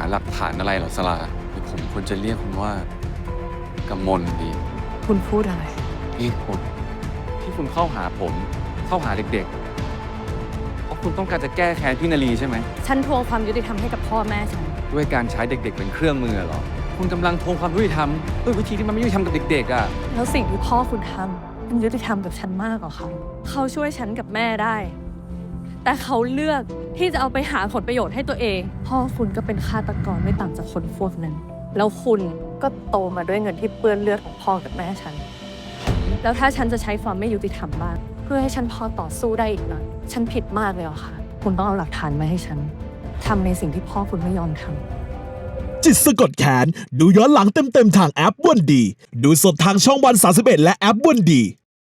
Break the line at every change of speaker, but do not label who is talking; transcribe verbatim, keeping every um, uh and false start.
หลักฐานอะไรเหรอสลาหรือผมควรจะเรียกคุณว่ากำมลดี
คุณพูดอะไร
เหตุผลที่คุณเข้าหาผม เข้าหาเด็กๆ เพราะคุณต้องการจะแก้แค้นพี่นาลีใช่ไหม
ฉันทวงความยุติธรรมให้กับพ่อแม่ฉัน
ด้วยการใช้เด็กๆเป็นเครื่องมือเหรอ คุณกำลังทวงความยุติธรรมด้วยวิธีที่มันไม่ยุติธรรมกับเด็กๆอ่ะ
แล้วสิ่งที่พ่อคุณทำมันยุติธรรมกับฉันมากกว่าเขาเขาช่วยฉันกับแม่ได้ แต่เขาเลือกที่จะเอาไปหาผลประโยชน์ให้ตัวเอง พ่อคุณก็เป็นฆาตกรไม่ต่างจากคนพวกนั้น แล้วคุณก็โตมาด้วยเงินที่เปื้อนเลือดของพ่อกับแม่ฉัน แล้วถ้าฉันจะใช้ความไม่ยุติธรรมบ้างเพื่อให้ฉันพอต่อสู้ได้อีกหน่อยฉันผิดมากเลยเหรอคะคุณต้องเอาหลักฐานมาให้ฉันทำในสิ่งที่พ่อคุณไม่ยอมทำ
จิตสะกดแขนดูย้อนหลังเต็มๆทางแอปวันดี ดูสดทางช่องวันสามสิบเอ็ดและแอปวันดี